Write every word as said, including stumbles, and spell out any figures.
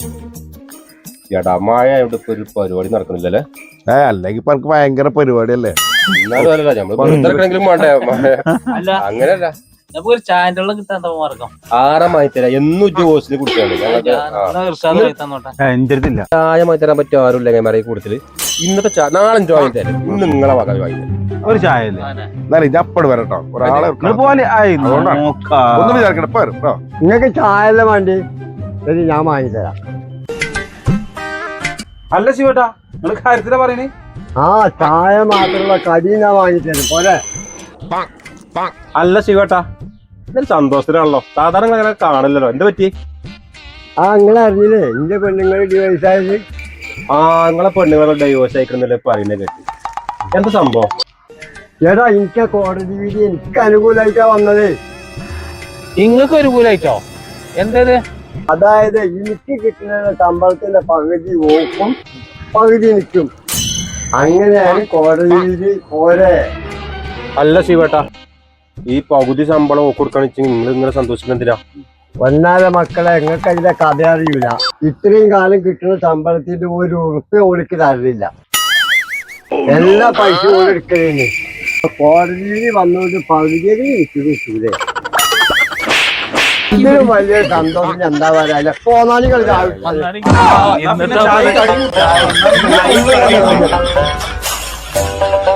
ചേട്ടാ മഴ ഇവിടെ ഇപ്പൊ ഒരു പരിപാടി നടക്കണില്ലല്ലേ? ഏ അല്ലെങ്കിൽ ഇപ്പൊ എനിക്ക് ഭയങ്കര പരിപാടിയല്ലേ. എന്നാലും അല്ലല്ല നമ്മള് പുറത്തിറക്കണെങ്കിലും വേണ്ടേ മഴ? അങ്ങനെയല്ല, ആറാ മായിത്തരാ എന്നും ഉച്ച ഹോസ്റ്റലിൽ കുടിച്ചാണ് ചായ മായിത്തരാൻ പറ്റും. ആരും ഇല്ല മറിയ കൂടുതൽ ഇന്നത്തെ നാളെ ജോയിൻ തരാം. ഇന്ന് നിങ്ങളെ വക ജോയിൻ തരാം. ഒരു ചായ അപ്പട് വരട്ടോ. ഒരാളെ ഒന്നും വിചാരിക്കട്ടെ. നിങ്ങൾക്ക് ചായ അല്ല വേണ്ടി ഞാൻ വാങ്ങിത്തരാം. അല്ല ശിവട്ടാ, നിങ്ങൾ കാര്യത്തിലാ പറയണേ? ആ ചായ മാത്രമുള്ള കടി ഞാൻ വാങ്ങിത്തരും പോലെ. അല്ല ശിവട്ടാ, ഇതൊരു സന്തോഷത്തിനാണല്ലോ. സാധാരണ അങ്ങനെ കാണില്ലല്ലോ. എന്ത് പറ്റി? ആ നിങ്ങൾ അറിഞ്ഞില്ലേ എന്റെ പെണ്ണുങ്ങൾ ഡിവൈസ് ആയത്? ആ നിങ്ങളെ പെണ്ണുങ്ങളെ ഡൈവോഴ്സ് അയക്കുന്നല്ലേ പറയുന്നത് കേട്ടി. എന്താ സംഭവം? ചേട്ടാ എനിക്ക് കോടതി വിധി എനിക്ക് അനുകൂലമായിട്ടാ വന്നത്. നിങ്ങൾക്ക് അനുകൂലമായിട്ടോ? എന്തത്? അതായത് എനിക്ക് കിട്ടുന്ന ശമ്പളത്തിന്റെ പകുതി ഓക്കും പകുതി നിൽക്കും. അങ്ങനെയാണ് കോടതി വിധി പോലെ. അല്ല ശിവേട്ടാ, ഈ പകുതി ശമ്പളം കൊടുക്കാന്ന് വെച്ചാൽ നിങ്ങൾ ഇങ്ങനെ സന്തോഷിക്കുന്നില്ല? ഒന്നാലെ മക്കളെ നിങ്ങൾക്ക് അതിന്റെ കഥ അറിയില്ല. ഇത്രയും കാലം കിട്ടുന്ന ശമ്പളത്തിന്റെ ഒരു ഉറുപ്പ്യ ഓടിക്ക് തരില്ല. എല്ലാ പൈസ ഓടിക്കണേ കോടതിയിൽ വന്നുകൊണ്ട് പകുതിയിൽ എനിക്ക് കിട്ടൂലേ. ഇതിലും വലിയ സന്തോഷം എന്താ പറയാ. പോന്നാലികൾ